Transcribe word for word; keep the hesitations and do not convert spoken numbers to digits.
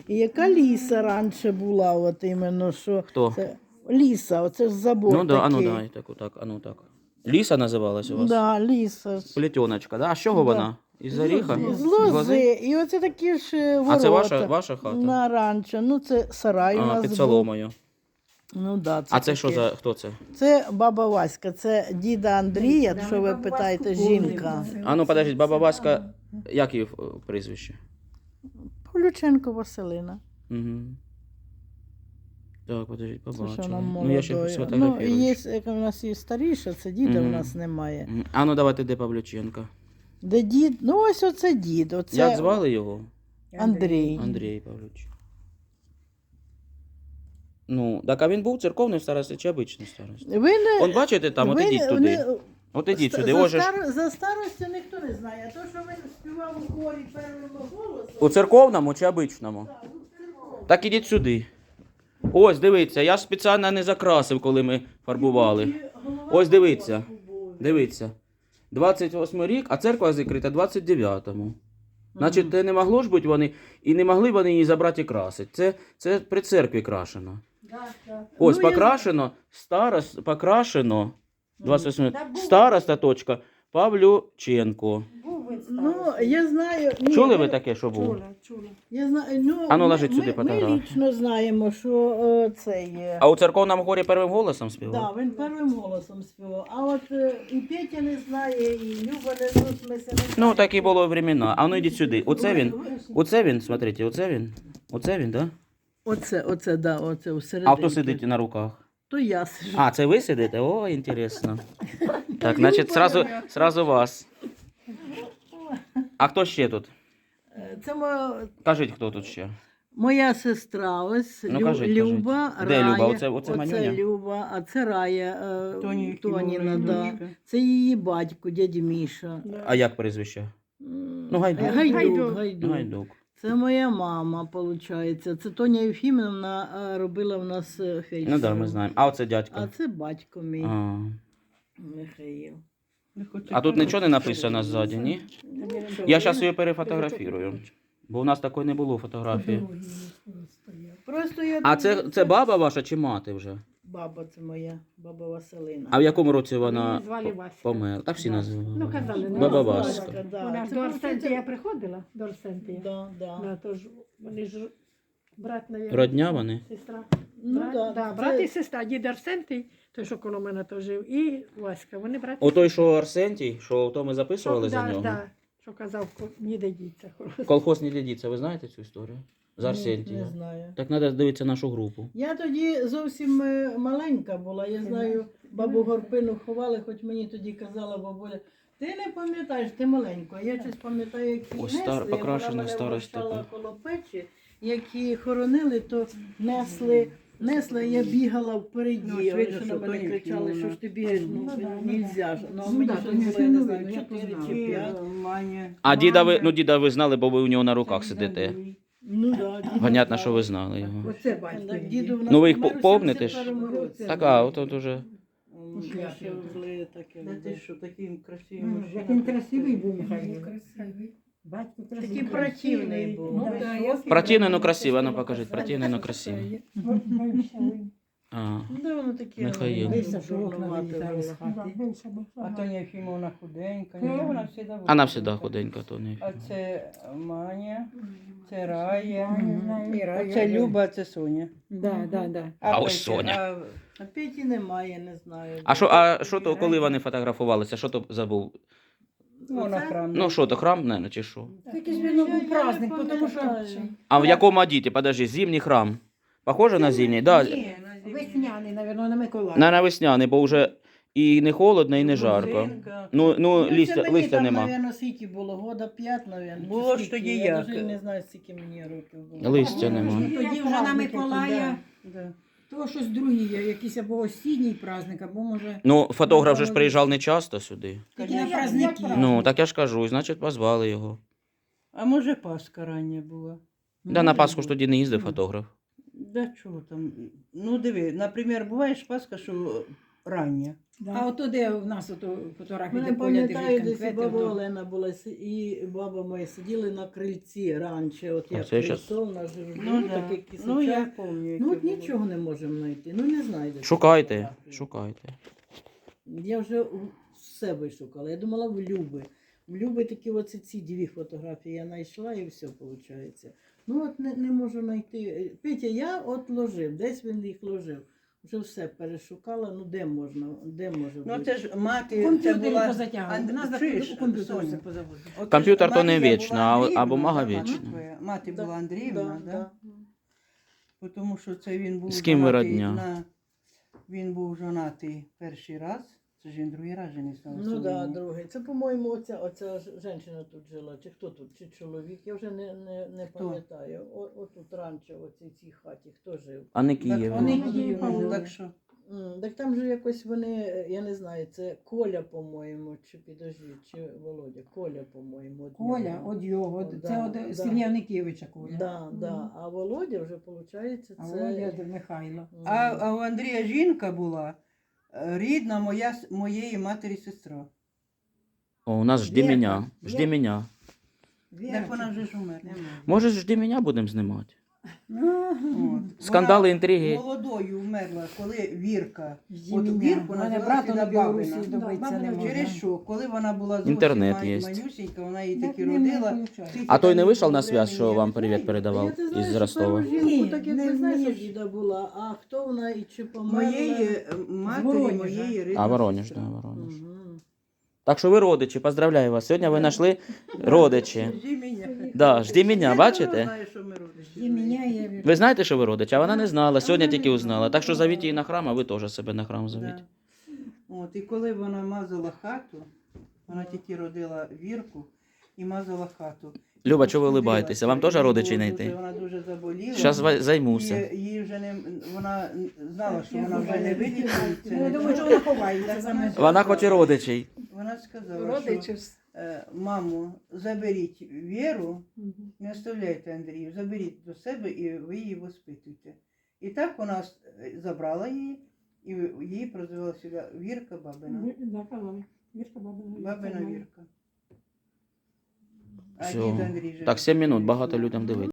І яка ліса раніше була, от іменно, що... Хто? Це... Ліса, оце ж забор Ну да, а ну такий. давай, так, отак, а ну так. Ліса називалась у вас? Да, ліса. Плетеночка, да? А з чого Да. вона? Із оріха? З лози. І оце такі ж ворота. А це ваша, ваша хата? На раніше. Ну, це сарай у А, нас під був. соломою. Ну, да, це А це що таке. за, хто це? Це баба Васька, це діда Андрія, що ви питаєте, жінка. А ну, подождіть, баба Васька, як її е, прізвище? Павлюченко Василина. Угу. Так, подождіть, Це що побачила. нам Ну, я ще молодою. Ну, сфотографірую. є, як у нас є старіша, це діда Мгм. у нас немає. Мгм. А ну давайте, де Павлюченка? Де дід? Ну, ось оце дід. Оце Як звали його? Андрій. Андрій Павлович. Ну, так а він був церковний старості чи обичний старості? Ви не... Он бачите там, от ви ідіть не- туди. не- От ідіть ста- сюди. За, Ось же ж. стар... за старостю ніхто не знає. А то, що він співав у хорі первого голосу... У церковному чи обичному? Так ідіть сюди. Ось, дивіться, я ж спеціально не закрасив, коли ми фарбували. Ось дивіться. Дивіться. двадцять восьмий рік, а церква закрита двадцять дев'ятому. Значить, це не могло ж бути вони, і не могли вони її забрати і красити. Це, це при церкві крашено. Ось, Ну, я- покрашено, старост, покрашено, двадцять восьмий, староста точка, Павлюченко. Ну, я знаю... Ні, Чули ви таке, що було? Чула, чула. Я знаю, ну, А ну, ми- ложіть сюди ми, фотографію. Ми лічно знаємо, що е, це є. А у церковному хорі первим голосом співав? Да, він первим голосом співав. А от е, і Петя не знає, і Люба не знає, ми се не Ну, знаємо. такі було времена. А ну йдіть сюди. Оце він. Оце він, смотрите, оце він. Оце він, да? Оце, оце, да, оце всередині. А хто сидить на руках? То я сижу. А, це ви сидите? О, інтересно. Так, значить, сразу, сразу вас. А хто ще тут? Е, Це моя, Кажіть, хто тут ще? моя сестра, ось Ну, Лю- кажіть, Люба, кажіть. Де Рая. Люба? Оце- оце Манюня? Люба, а це Рая е, Тоні Тоніна, Єфімовна, да. дочка. Це її батько, дядя Міша. А як прізвище? М, Ну, Гайдук. Гайдук, Гайдук. Гайдук. Гайдук. Це моя мама, виходить. Це Тоня Єфімовна е, робила в нас е, фельдшером. Ну так, да, ми знаємо. А оце А дядько. це батько мій, А, Михаїл. а тут нічого не написано ззаді, ні? Я зараз її перефотографірую. Бо у нас такої не було фотографії. Просто я А думаю, це, це баба ваша чи мати вже? баба, це моя, баба Василина. А в якому році вона Її звали Васька. померла? Так всі називали. Ну, казали, не Баба Васька. Васька. Да. Вона ж Це до просто Арсентія це- приходила, до Арсентія. Да, да. Да, тож вони ж брат, навіть. Родня вони? Сестра. Ну, брат, да, да, це- брат і сестра, дід Арсентій, той, що коло мене то жив, і Васька. Вони брат. і О той, що Арсентій, що то ми записували Що- за да, нього. да, що казав, ко- ніде діться. Колхоз не дідіться, ви знаєте цю історію? З Ні, Арсентія. Не знаю. Так треба дивитися нашу групу. Я тоді зовсім е, маленька була. Я знаю, бабу Горпину ховали, хоч мені тоді казала бабуля. Ти не пам'ятаєш, ти маленька. Я щось пам'ятаю, як її Ось несли, стар- як вона покрашена мене старость вмощала така. коло печі. Як її хоронили, то несли, несли, я бігала впереді. Ну, Ось видно, що що на мене Тоня кричали, Єфімовна. що ж ти бігаєш, ну, Ну, да, нельзя ж. Ну, а Ну, мені да, щось Тоня було, я не Єфімовна, знаю, я чотири познала. чи п'ять. Маня. А діда ви, ну діда ви знали, бо ви у нього на руках сидите. Ну, да, діду Понятно, знала. що ви знали його. Оце батько. Так, її. діду в нас Ну, ви їх помер у помните ж? сімдесят першому році. Так, а, от от уже. М, я ще зли таке. Да було. ти що, такий красивий М, мужчина. Як він красивий був, Михайло. Красивий. Батько Такий красивий. противний був. Ну, да, я Противний, ну красивий, ну покажіть, противний, ну красивий. А, Да, воно таке. Михаїл. ну, Вийшов, що окна дурнувате вилітали з було. хати. А Тоня Єфімовна худенька. Ні, вона завжди була. вона завжди худенька, то не. А це Маня, це Рая, І Рая. це Люба, а це Соня. Да, да, да. А ось Петя, Соня. а А Петі немає, не знаю. А що, а що то, коли вони фотографувалися, що то забув? Ну, на Оце? храм. Ну що то, храм, не, чи що? Якийсь він був праздник, тому що А в якому одіті? Подожди, зимній храм. Похоже на зимній? Да. Ні, на весняний, мабуть, на Миколая. На, на весняний, бо вже і не холодно, і не жарко. Грузинка. Ну, ну це листя, мені листя там, нема. Навіть, скільки було, года п'ять, навіть. Було ж тоді Я як? навіть не знаю, скільки мені років було. Листя нема. Тоді вже на Миколая, Да. то щось другий, є, якийсь або осінній праздник, або може... Ну, фотограф же ж приїжджав не часто сюди. Тільки на Конечно. праздники. Ну, так я ж кажу, значить позвали його. А може Пасха рання була? Да, на Пасху ж тоді не їздив фотограф. Да чого там? Ну диви, наприклад, буває ж Пасха, що рання. Да. А ото де в нас ото фотографії, Мене де Поля держить пам'ятаю, десь і конфети, баба то- Олена була, си- і баба моя сиділи на крильці раніше, от як Оце щас- крильцо, на жиржу, Ну, да. такий кисочок. Ну, я пам'ятаю. Ну от нічого не можемо знайти, ну не знайдете. Шукайте, фотографії. шукайте. Я вже у себе шукала, я думала в Люби. В Люби такі оці ці дві фотографії я знайшла і все виходить. Ну от не, не можу знайти. Петя, я от ложив, десь він їх ложив. Вже все перешукала, ну де можна, де може Ну бути. це ж мати, це Комп'ютері була... позатягували. Анд- У нас чуєш, у комп'ютері Соня? все позаводили. От Комп'ютер ж то не Марія вічно, була а- Андріївна, або мага да, мати вічна. твоя. Мати Да, була Андріївна, да, да? да. Тому що це він був З ким ви жонатий родня? на... Він був жонатий перший раз, це ж він другий раз женився. на Ну Соломі. да, другий. Це, по-моєму, оця, оця ж- жінка тут жила, чи хто тут, чи чоловік, я вже не, не, не Хто? пам'ятаю. О, отут раніше, в оцій цій хаті, хто жив? А не Так, Київ. вони Ну, Київ, ну, так що... М, Так там же якось вони, я не знаю, це Коля, по-моєму, чи підожди, чи Володя, Коля, по-моєму. од Коля, нього. от його, от Да, це да. от Сильняникевича Коля. Да, да. А Володя вже, виходить, А це... Володя до Михайла. М. А, а у Андрія жінка була е, рідна моя, с- моєї матері сестра. О, у нас жди Вірка. мене, жди Вірка. мене. Так вона вже ж умерла. Може, жди мене будемо знімати? От. Скандали, Вона інтриги. молодою вмерла, коли Вірка. Жди От мене. Вірку У мене називали брата на всегда Білорусі Бабина. добитися не Бабина можна. Через що? Коли вона була зовсім Інтернет ма- є. малюсенька, вона її Так таки не родила. виключай. Скільки А той там не вийшов було на зв'язь, времени, що я вам не привіт знаю. передавав Я ти знаєш, із що Ростова? першу жінку, Ні, так як не ти знаєш, що вмієш. діда була, а хто вона і чи померла? Моєї е, матері, Воронежа. моєї рідної А, Воронеж, сестри. да, Воронеж. Мгм. Так що ви родичі, поздравляю вас. Сьогодні ви знайшли родичі. Жди мене. Да, жди мене, Я бачите? знаю, що ми родичі. Жди мене, я вірю. Ви знаєте, що ви родичі, а вона не знала, сьогодні тільки узнала. Так що зовіть її на храм, а ви теж себе на храм зовіть. Да. От, і коли вона мазала хату, вона тільки родила Вірку і мазала хату. Люба, чого ви улибаєтеся? Вам теж Їй родичей було знайти? дуже- Вона дуже заболіла. Зараз займуся. І, їй вже не, вона знала, що вона вже не вилікується. Ну, я не думаю, що буде. вона ховається за мене. Вона хоче родичей. Вона сказала, Родичів. що е, маму, заберіть Віру, не оставляйте Андрію, заберіть до себе і ви її воспитуйте. І так вона е, забрала її, і її прозвала сюди Вірка Бабина. Да, казали. Вірка Бабина. Бабина Вірка. А Всё. дід Андрій же Так, сім минут, багато людям дивиться.